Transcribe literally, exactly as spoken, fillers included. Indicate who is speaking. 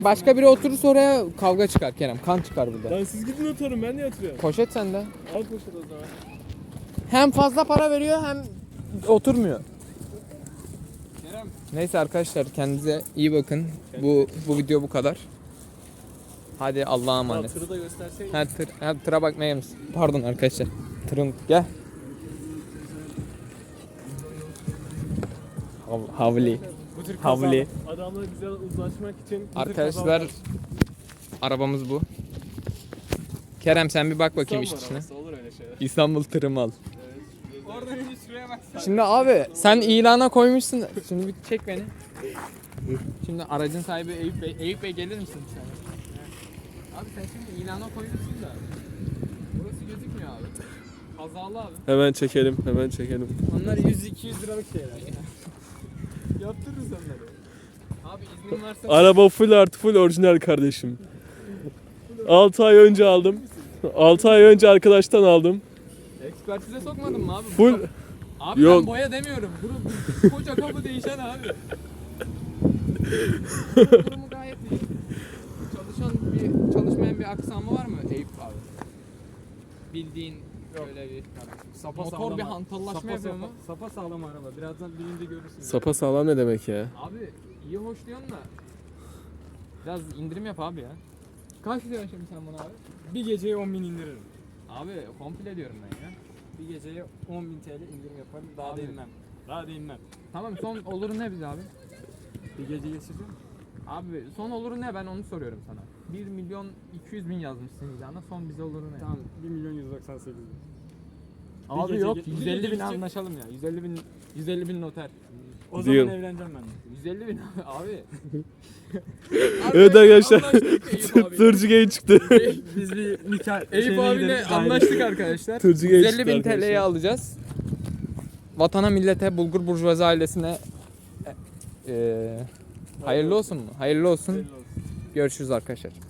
Speaker 1: Başka biri oturursa oraya kavga çıkar Kerem. Kan çıkar burada.
Speaker 2: Lan siz gidin oturun, ben niye oturuyorum?
Speaker 1: Poşet sende.
Speaker 2: Al poşet o zaman.
Speaker 1: Hem fazla para veriyor hem oturmuyor.
Speaker 2: Kerem.
Speaker 1: Neyse arkadaşlar, kendinize iyi bakın. Bu bu video bu kadar. Hadi Allah'a
Speaker 2: Al
Speaker 1: emanet.
Speaker 2: tırı da gösterseydin.
Speaker 1: Her tır, her tıra bakmaya mısın? Pardon arkadaşlar. Tırın gel. Hav- Havli.
Speaker 2: Bu tür
Speaker 1: Havli.
Speaker 2: kaza- Adamla güzel uzlaşmak için bu tür
Speaker 1: Arkadaşlar
Speaker 2: kazalar-
Speaker 1: arabamız bu. Kerem sen bir bak bakayım iç
Speaker 2: İstanbul
Speaker 1: içine.
Speaker 2: arabası, olur öyle şeyler.
Speaker 1: İstanbul tırım al.
Speaker 2: Oradan önce şuraya baksana.
Speaker 1: Şimdi abi sen ilana koymuşsun. Şimdi bir çek beni. Şimdi aracın sahibi Eyüp Bey. Eyüp Bey gelir misin sen? Abi sen şimdi ilana koymuşsun da. Burası gözükmüyor abi. Kazalı abi.
Speaker 2: Hemen çekelim, hemen çekelim.
Speaker 1: Onlar yüz iki yüz liralık şeyler. Yaptırırız onları. Abi iznin varsa
Speaker 2: Araba full artı full orijinal kardeşim. altı ay önce aldım. altı ay önce arkadaştan aldım.
Speaker 1: ekspertize sokmadın mı abi?
Speaker 2: Full
Speaker 1: Abi
Speaker 2: Yok.
Speaker 1: ben boya demiyorum. Bunu koca kapı değişen abi. Durumu gayet iyi. Çalışan bir çalışmayan bir aksamı var mı Eyüp abi? Bildiğin böyle bir
Speaker 3: Sapa
Speaker 1: motor
Speaker 3: sağlam
Speaker 1: bir
Speaker 3: abi.
Speaker 1: hantallaşma
Speaker 3: Sapa,
Speaker 1: yapıyor
Speaker 3: sapa,
Speaker 1: mu?
Speaker 3: sapa sağlam araba. Birazdan birinde görürsün.
Speaker 2: sapa sağlam ne demek ya?
Speaker 1: Abi iyi hoş diyorsun da biraz indirim yap abi ya. Kaç diyorsun şimdi sen buna abi?
Speaker 3: Bir geceye on bin indiririm.
Speaker 1: Abi komple diyorum ben ya.
Speaker 3: Bir geceye on bin T L indirim yaparım. Daha
Speaker 1: Abi.
Speaker 3: da inmem. Daha da inmem.
Speaker 1: Tamam, son oluru ne biz abi?
Speaker 3: Bir gece geçireceğim.
Speaker 1: Abi son oluru ne, ben onu soruyorum sana. bir milyon iki yüz bin yazmışsın ilana, son bize oluru ne?
Speaker 3: Tamam bir milyon yüz doksan sekiz bin.
Speaker 1: Abi
Speaker 3: gece
Speaker 1: yok,
Speaker 3: ge- bir
Speaker 1: yüz
Speaker 3: gece
Speaker 1: elli bin
Speaker 3: gidecek-
Speaker 1: anlaşalım ya. yüz elli bin yüz elli bin noter.
Speaker 3: O
Speaker 2: Diyorum.
Speaker 3: zaman evleneceğim ben de.
Speaker 1: yüz elli bin abi.
Speaker 2: Evet arkadaşlar.
Speaker 1: Anlaştık Eyüp abiyle.
Speaker 2: Tırcı gay çıktı.
Speaker 3: Biz bir nikah
Speaker 1: Eyüp abiyle anlaştık arkadaşlar.
Speaker 2: Tırcı
Speaker 1: yüz
Speaker 2: geçti
Speaker 1: elli bin T L'ye
Speaker 2: arkadaşlar.
Speaker 1: alacağız. Vatana, millete, Bulgur Burjuvazi ailesine e, e, hayırlı olsun mu? Hayırlı olsun. Görüşürüz arkadaşlar.